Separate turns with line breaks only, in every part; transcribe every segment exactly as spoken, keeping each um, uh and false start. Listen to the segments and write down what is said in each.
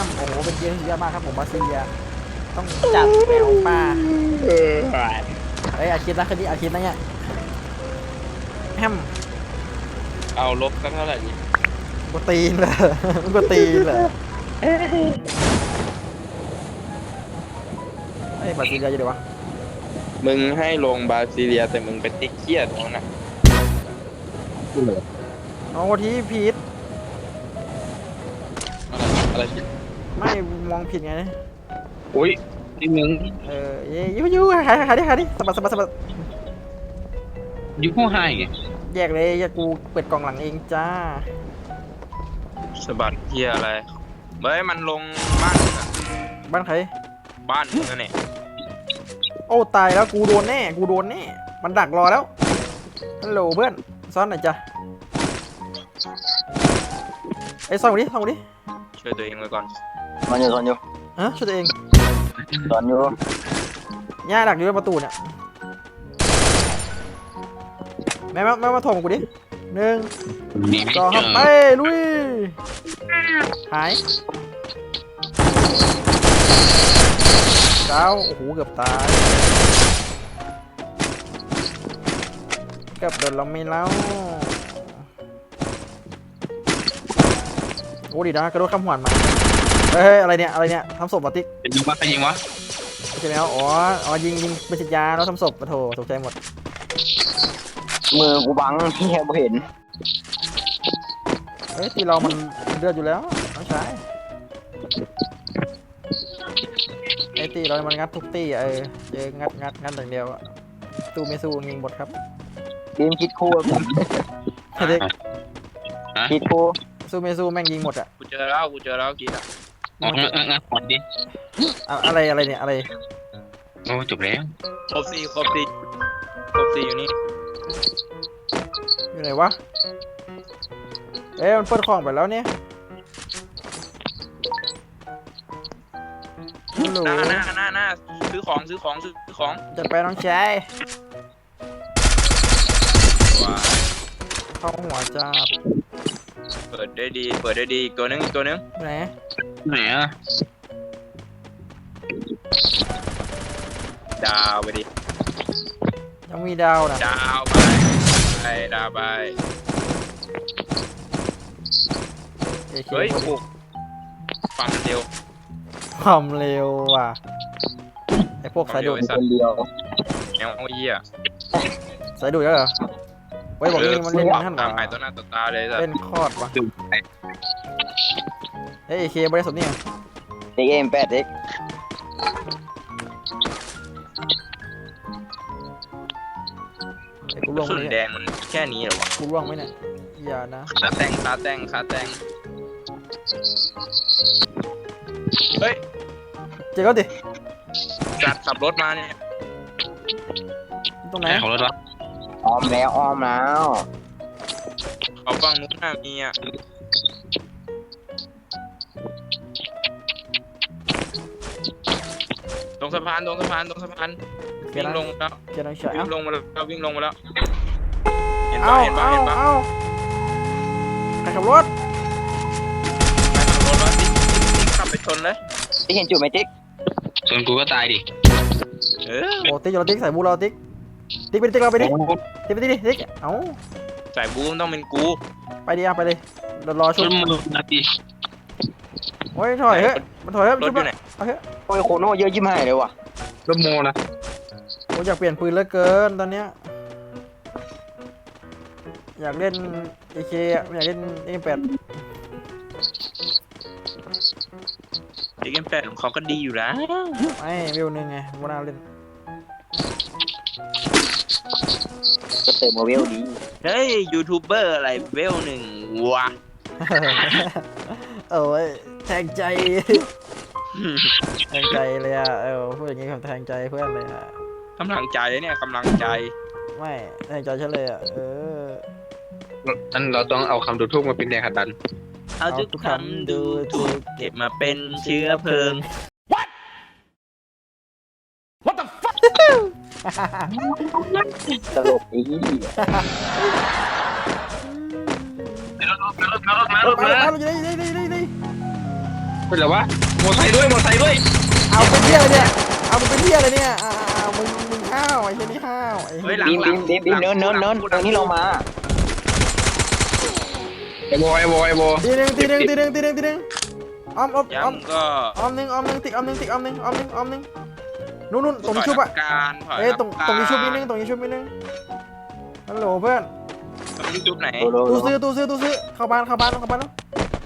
โอ้โหเป็นเกมที่เยอะมากครับผมบาซิเลียต้องจัดแมวป่าเฮ้ยอาคิดนะคดีอาคิดนะเนี่ยแฮม
เอาลบสักเท่าไหร่ดี
กูตีนเลยกูตีนเลยไอ้บาซิเลียอยู่เดี๋ยววะ
มึงให้ลงบราซิเลียแต่มึงไปติ๊กเครียดตรงนั้นนะ
เอาที่ผิด
อะไรผิด
ไม่มองผิดไง
อุ้ยนี่มึง
เออเย้ยูยูหายหายดิหายดิสะบัดสะบัดสะบัด
ยูผู้ให้ไง
แยกเลยอย่ากูเปิดกล่องหลังเองจ้า
สะบัดเฮียอะไรเฮ้ยมันลงบ้านมึงอะ
บ้านใคร
บ้านมึงอะเนี่ย
โอ้ตายแล้วกูโดนแน่กูโดนแน่มันดักรอแล้วฮัลโหลเพื่อนซ้อนหน่อยจ้ะไอ้ซ่อนกูดิซ่อนกูดิ
ช่วยตัวเองไว้ก่อน
ตอนอยู่ตอนอยู่
ฮะช่วยตัวเอง
ตอนอยู่
ย่าดักอยู่บนประตูเนี่ยแม่มาแม่มาถ่วงกูดิหนึ่งสองไปลุยหายเก้าโอ้โหเกือบตายเกือบโดนเราไม่เล่าโอ้ดีนะกระโดดข้ามหัวมาเฮ้ยอะไรเนี่ยอะไรเนี่ยทำศพมาติ๊ก
เป็นยิงวะเป็นยิงวะ
ใช่ไหมอ๋ออ๋อยิงยิงเป็นฉีดยาแล้วทำศพปะโถตกใจหมด
มือกูบังเฮียบ่เห็น
เฮ้ยตีเรามันเลือดอยู่แล้วน้องชายไอ้ตีเรามันงัดทุกตีอะเออเจองัดงัดงัดอย่างเดียวอะตู้ไม่สู้ยิงหมดครับ
บีมคิดคู่บีม
ไอ้เด็ก
คิดคู่
สู้ไม่สู้แม่งยิงหมดอะ
กูเจอแล้วกูเจอแล้วกี่อ่ะ
งั้นงั้นงั้นหมดดิ
อะอะไรอะไรเนี่ยอะไร
โอ้จบแล้ว
ครบสี่ครบสี่ครบสี่อยู่นี่
อยู่ไหนวะเอ้ยมันเปิดของไปแล้วเนี่ยฮัลโหล
หน้าหน้าหน้าหน้าซื้อของซื้อของซื้อของ
จะไปน้องชาย
ว้า
เข้าหัวจับ
เปิดได้ดีเปิดได้ดีอีกตัวนึงอีกตัวนึง
ไหน
ไหนอ่ะ
ดาวไปดิ
ยังมีดาวนะ
ดาวไปไปดาวไป
เอเค
เฮ้ยโอ้โหฟังเร็ว
ความเร็วว่ะไอพวกสายดูด
คนเดียว
แนวเหี้ย
สายดูดแล้วเหรอไว้บอกนี่มันเล่นท่าน
ตาม
วะ
หายตัวหน้าตัวตาเลยสัต
เล่น
ว์
คอดวะเฮ้ยเอเคบริสุทธิ์นี่
เด็กเอ็มแปดเด็ก
ไอ้กูล่วง
สุ
ไหม
ด
เนี่ย
แดงมันแค่นี้เหรอวะ
กูล่วงไหมเนี่ยอย่านะ
ขาแต่งขาแต่งขาแต่งเฮ้ย
เจ๊ก็ดิ
จัดขับรถมาเนี่ย
ตรงไหน
ไหนของรถวะ
อ้อมแล้วอ้อมแล้ว
เขาฟังนู้นน่ะมีอ่ะตรงสะพานตรงสะพานตรงสะพาน
เกีย
วิ่
ร์
ง
น้
ล
อง
งแล้ว
เกียร์น้องเฉย
วิ่
เอ้าง
ลงมาแล้ววิ่งลงมาแล้วเห็นปะ
เอ้า
เห็นปะ
เอ้า
เห็นปะ
เอ้าใครขับรถ
ไปขับรถแล้วติ๊กติ๊กขับไปชนเลย
ที่เห็นจุดไหมติ๊ก
ส่วนกูก็ตายดิ
เออ
โอ้ติ๊กอยู่แล้วติ๊กใส่บูเราติ๊กติ๊กไปดิติ๊กเราไปดิติ๊กไปดิติ๊กเอ้า
สายบูมต้องเป็นกู
ไปดิอ่ะไปเลยรอรอ
ร
ชุบ
ถมือนาที
โอ้ยถอยเฮ้ยมันถอยเฮ้ย
รถ
ชุบ
อยู่ไหน
เอาเฮ้ย
โอ้ยโคโน่เยอะยิ้มให้เลยว่ะ
รถโมนะ
โอ้ยอยากเปลี่ยนปืนเหลือเกินตอนเนี้ยอยากเล่นเอเคไม่อยากเล่นเอ็มแปด
ติ๊กเอ็มแปดของเขาก็ดีอยู่แล้ว
ไม่วิวหนึ่งไงวันน่าเล่น
ก็เติมมาเวลดี
เฮ้ยยูทูบเบอร์อะไรเวลหนึ่งวะ
โอ้ยแทงใจ แทงใจเลยอ่ะเออพูดอย่างงี้ผมแทงใจเพื่อนเลยอ่ะ
กำลังใจเนี่ยกำลังใจ
ไม่แทงใจฉันเลยอ่ะเออ
อันเราต้องเอาคำดูทูกมาเป็นแรงขัดดัน
เอาทุกคำดูถูกเก็บมาเป็นเชื้อเพลิง
ตลกอี
รถมาแล้วอยู่นี่นี่นี่นี่
เป็นไรวะมอไซค์ด้วยมอไซค์ด้วย
เอาเป็นเที่ยอะไรเนี่ยเอาเป็นเที่ยอะไรเนี่ยอ่ามึงมึงห้าวไอ้เช่นนี่ห้าวไอ้
เฮ้ยหลัง
บีม
หลั
บี
ง
มบีมบีมเนินเนินเนินตรงนี้เรามา
ไอ้โบไอ้โบไอ้โบ
ตีหนึ่งตีหนึ่งตีหนึ่งตีหนึ่งตีหนึ่งออมออมออม
ย้ำก็
ออมหนึ่งออมหนึ่งติ๊กออมหนึ่งติ๊กออมหนึ่งออมหนึ่งออมหนึ่งนู่นนู่นตรงนี้ชุบอะ
การถอย
เอ้ยตรง
ำ
ตรงนี้ชุบนิด
กา
นึงตรงนี้ชุบนิดนึงฮัลโหลเพื่อน
ตรงนี้ชุบไหน
โดโด
ตู้ซื้อตู้ซื้อตู้ซื้อเข้าบ้านเข้าบ้านเข้าบ้านแล้ว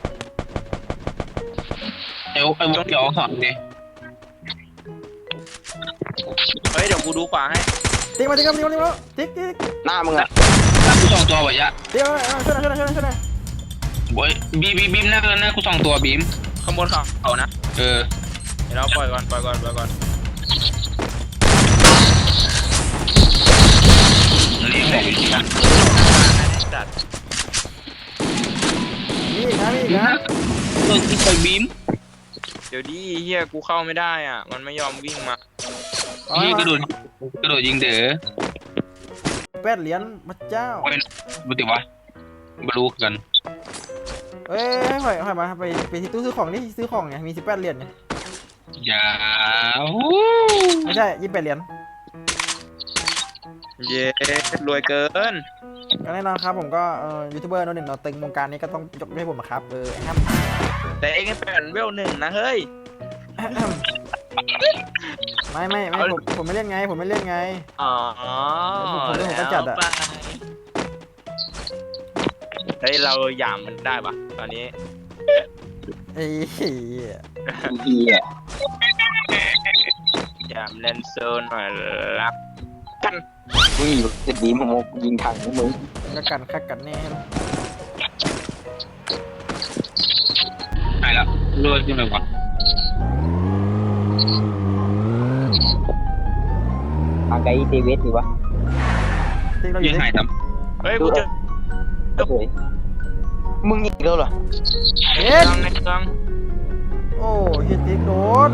ไอ้โบไอ้โบเดี๋ยวสอนดิ
เฮ้ยเดี๋ยวกูดูขวาให้
ติ๊กมาติ๊กมาติ๊กมาติ๊กมาติ๊กติ๊ก
หน้ามึงอะ
หน้ากูสองตัววะยะ
ติ๊กมาช่วยหน่อยช่วยหน่อยช่วยหน่อยช่วยหน่อย
โบยบีบีบีมหน้าหน้ากูสองตัวบีม
ข้างบนเขาเอานะ
เออ
เดี๋ยวเราปล่อยก่อนปล่อยก่อนปล่อยก่อน
เลี้ยงบอกอยู่ที่นั่น
จัด
นี่อีกนะนี่อีกนะ
ตัวที่ไปบีม
เดี๋ยวดิเฮียกูเข้าไม่ได้อ่ะมันไม่ยอมวิ่งมา
พี่กระโดดกระโดดยิงเด้อ
แปดเหรียญพระเจ้า
เป็นบุตรวะบรู้กัน
เอ้ยหอยหอยมาไปไปที่ตู้ซื้อของนี่ซื้อของไงมีสิบแปดเหรียญไง
อย่า
ไม่ใช่ยี่สิบแปดเหรียญ
เย้รวยเกิน
ก็แน่นอนครับผมก็เอ่อยูทูบเบอร์โน้นหนึ่งเราตึงวงการนี้ก็ต้องยกให้ผมนะครับเออแฮม
แต่เองเป็นเวลหนึ่งนะเฮ้ย
ไม่ไม่ไม่ผมผมไม่เล่นไงผมไม่เล่นไง
อ๋อ
ผมผมเล่นผมก็จัดอะ
แล้วไปเฮ้ยเราหยามมันได้ปะตอนนี้
ไอ้เหี้ย
เฮีย
หยามเลนโซนหน่อยรักกัน
มึงอยู่จะบีมมึงยิงทางมึง
ก็กันคักกันแน่
หายแล้วรวยขึ้นเลยวะ
ทางไกลเตเวสดีวะ
ติ๊กเราอ
ยิ
ยู่
ง
ที่
หายท
เฮ้ยกูเจอ
เฮ้ยมึงอีกแล้วเหรอ
เอ็ด
กลางในกลาง
โอ้เฮียติ๊กโดน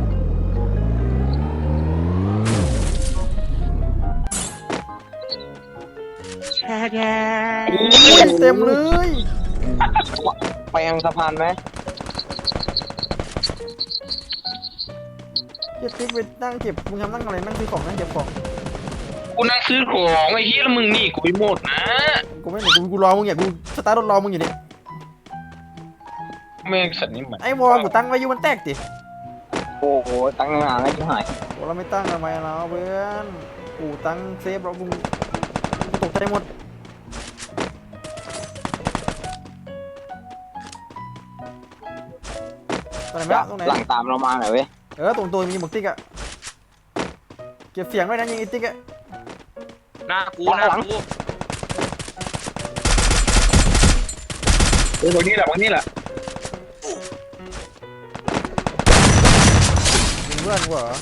อุ้ยเต็มเลย
ไปทางสะพานไหม
เฮียติ๊กไปนั่งเก็บมึงทำนั่งอะไรนั่งซื้อของนั่งเก็บของ
ำกูนั่งซื้อของไอ้เหี้ยแล้วมึงนี่กูไปหมดนะ
กูไม่หนีกูกูรอมึงเนี่ยกูสตาร์ทรถรอมึงอยู่เนี่ย
แม่งสัตว์นี่มัน
ไอ้วอลกูตั้งไว้อยู่มันแตกดิ
โอ้โหตั้งงานแล้วชิบหาย
โอ้เราไม่ตั้งทำไมเราเพื่อนกูตั้งเซฟเรากูกูตกใจหมดตรงไหนไหมตรงไหน
หลังตามเรามาหน่อยเว้ย
เออตรงตัวมีหมวกติ๊กอะเก็บเสียงด้วยนะยิงไอ้ติ๊กอะ
หน้ากูหน้ากู
เออวันนี้แหละวันนี้แหละ
ยิงเพื่อนกูเหรอ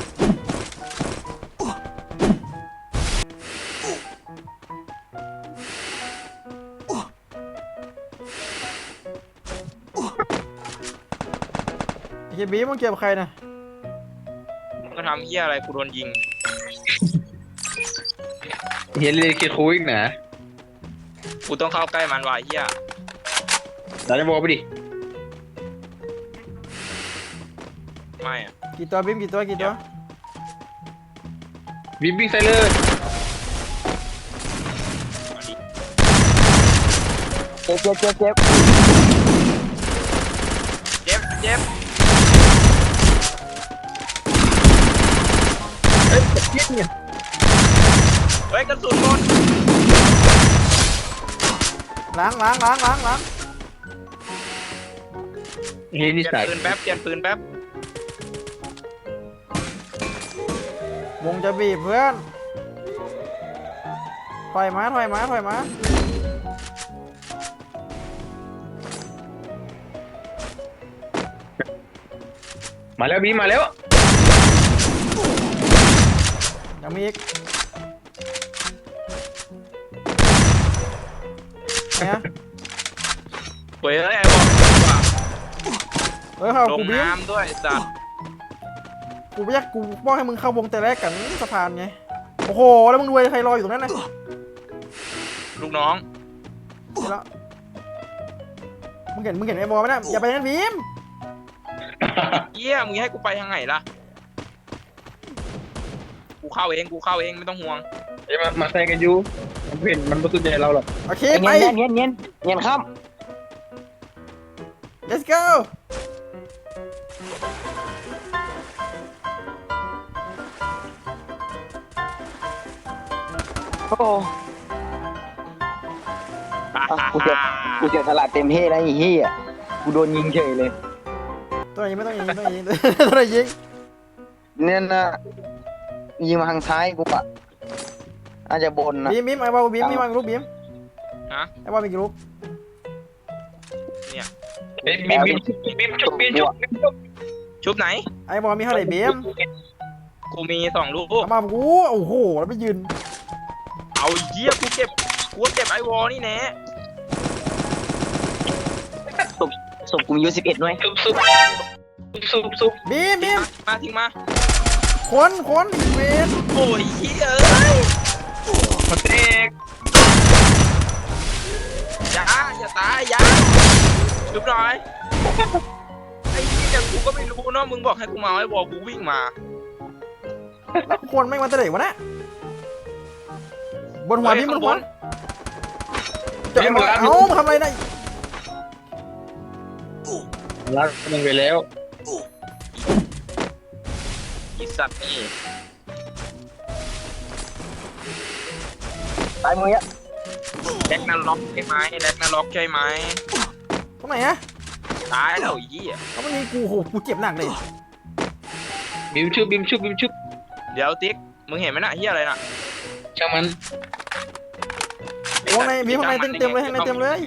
ไอ้เฮียบีมึงเก็บใครนะ
มึงก็ทำเหี้ยอะไรกูโดนยิง
เห็นเลยเคลียร์คุยนะ
กูต้องเข้าใกล้มันว่ะเหี้ย
ดันจะบอกไปดิ
ไม่อะ
กี่ตัวบีมกี่ตัวกี่ตัว
บิ๊มบิ๊งใส่เลย
มาดิ
เจ็บเจ็บเจ็บเจ็บ
เจ็บเจ็บ
เฮ้ยเหี้ยเนี่ย
เฮ้ยกระสุนหมด
ล้างล้างล้างล้างล้าง
เฮ้ย
เปลี่
นี่
ยน
ใส่
ปืนแป๊บเปลี่ยนปืนแป๊บ
วงจะบีบเพื่อนถอยมาถอยมาถอยมา
มาแล้วบิ๊มมาแล้ว
ยังมีอีกเนี่ย
เฮ้ยไอ้บอลดีกว่า
เออเข้า
ลง
กูบีม
น้ำด้วยไอ้สัตว์
กูไม่อยากกูบอกให้มึงเข้าวงแต่แรกกันสะพานไงโอ้โหแล้วมึงรวยใครรออยู่ตรงนั้นนะ
ลูกน้อง
เห็นแล้วมึงเห็นมึงเห็นไอ้บอลไหมนะอย่าไปนั่นบีม
เหี้ยมึงให้กูไปทางไหนล่ะกูเข้าเองกูเข้าเองไม่ต้องห่วง
เอ้ยมามาใส่กันอยู่มันเห็นมันไม่สนใจเราหรอก
โอเค
ไอ้
ไป
เงี้ยเงี้ยเงี้ยเงี้ยข้าม
let's go
โอ้กูเสียกูเสียสละเต็มที่แล้วไอ้เหี้ยกูโดนยิงเฉยเลย
ตัวไหนไม่ต้องยิงต้องยิงตัวไหนยิง
เนี่ยนะยิงมาทางซ้ายกูอะอาจจะบนนะ
บีมบีมไอ้บอลบีมมีมากี่ลูกบีม
ฮะ
ไอ้บอลมีกี่ลูก
เนี่ย
เอ้ยบีมบีมบีมชุบบีมชุบบีมชุบ
ชุบไหน
ไอ้บอลมีเท่าไหร่บีม
กูมีสองลูก
เอามากูโอ้โหแล้วไปยืน
เอาเหี้ยกูเก็บกูเก็บไอวอลนี่แน่
ศพศพกูมีอยู่สิบเอ็ดหน่วย
ซุบซุบซุบซุบ
บีมบีม
มาทิ้งมา
คนคนอีเวน
โอ้ยเหี้ยเอ้ย
มาเตก
อย่าอย่าตายอย่าชุบหน่อยไอ้เหี้ยกูก็ไม่รู้เนาะมึงบอกให้กูมาไอ้วอลกูวิ่งมา
แล้วคนไม่มาแต่ไหนวะนะบนหัวบีมบนหัวจะเอาเอ้าทำอะไรได้
รักมันไปแล้ว
อีสัตว์นี่
ตายมืออะ
แล็กนาล็อกใช่ไหมแล็กนาล็อกใช่ไหม
ตรงไหนอะ
ตายแล้วไอ้เหี้ย
เขาไม่มีกูโหกูเจ็บหนักเลย
บีมชุบบีมชุบบีมชุบ
เดี๋ยวติ๊กมึงเห็นไหมน่ะเหี้ยอะไรน่ะ
ช่างมัน
วงในบีมข้างในเต็มเต็มเลยข้างในเต็มเลย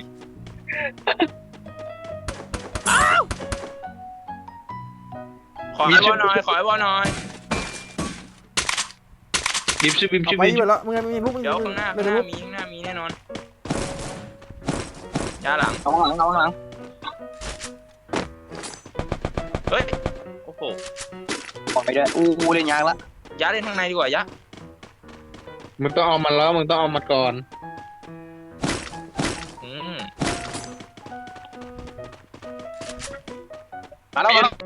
ขอไอ้วอลหน่อยขอไอ้วอลหน่อย
บีมชุบบีม
เอา
ชุบ
ไป
บีม
อยู่แล้วมึงมีลูกมึง
เดี๋ยวข้างหน้า
ไม่
ข้างห
ได้
น้า
ลูก
มีข้างหน้ามีแน่นอนยาหลัง
เอาข้างหลังเอาข้างหลัง
เฮ้ยโอ้โห
ออกไปด้วยอู้อู้เล่นยากละ
ยาเล่นข้างในดีกว่ายะ
มึงต้องเอามันแล้วมึงต้องเอามันก่อน
อืม
มาแล้วมาแล้ว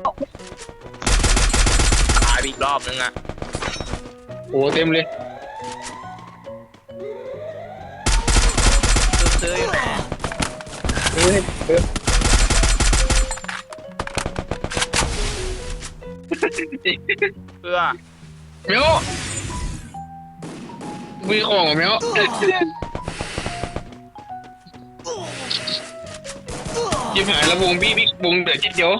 ตายไปอีกรอบนึงอ่ะ
โอ้เต็มเลย
ซื้อๆอยู่ไหน
เฮ้ยเฮ้ย
เพื่อ
เมียวมีของเหรอเมียวยิบหายแล้ววงบี้บิ๊กวงเดือดจิ๊ดเดียว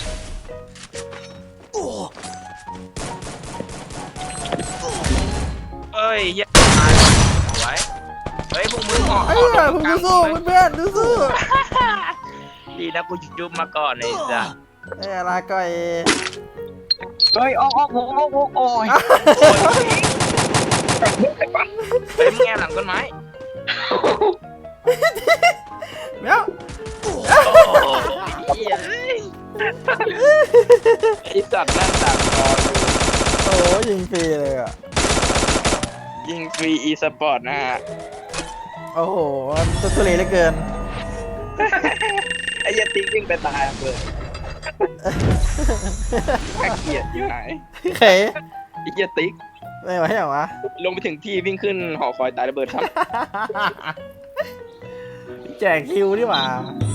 เอ้ยเหี้ยตายสวยเฮ้ยพวกมึงออก
ไอ้
ออก
เหี้ยผมดูสู้เพื่อนดูสู้
ดีนะกูจุบมาก่อนไอ้สัส
ไอ้อะไรก็ไอ้
เฮ้ยออกออกวงออกวงโอ้ย
เฮ้ยมึงแง่หลังต้นไม้
เมียว
เหี้ยเอ้ยไอ้สัตว์นั่นต่างคอ
โอ้ยิงฟรีเลยอ่ะ
ยิงฟรีอีสปอร์ตนะฮะ
โอ้โหตัวทุเรศเหลือเกิน
ไอ้ยาติ๊กวิ่งไปตายเลยน่าเกลียดอยู่ไหน
เขย
ไอ้ยาติ๊ก
ไม่ไหวเหรอวะ
ลงไปถึงที่วิ่งขึ้นหอคอยตายระเบิดครับ
แจกคิวดีกว่า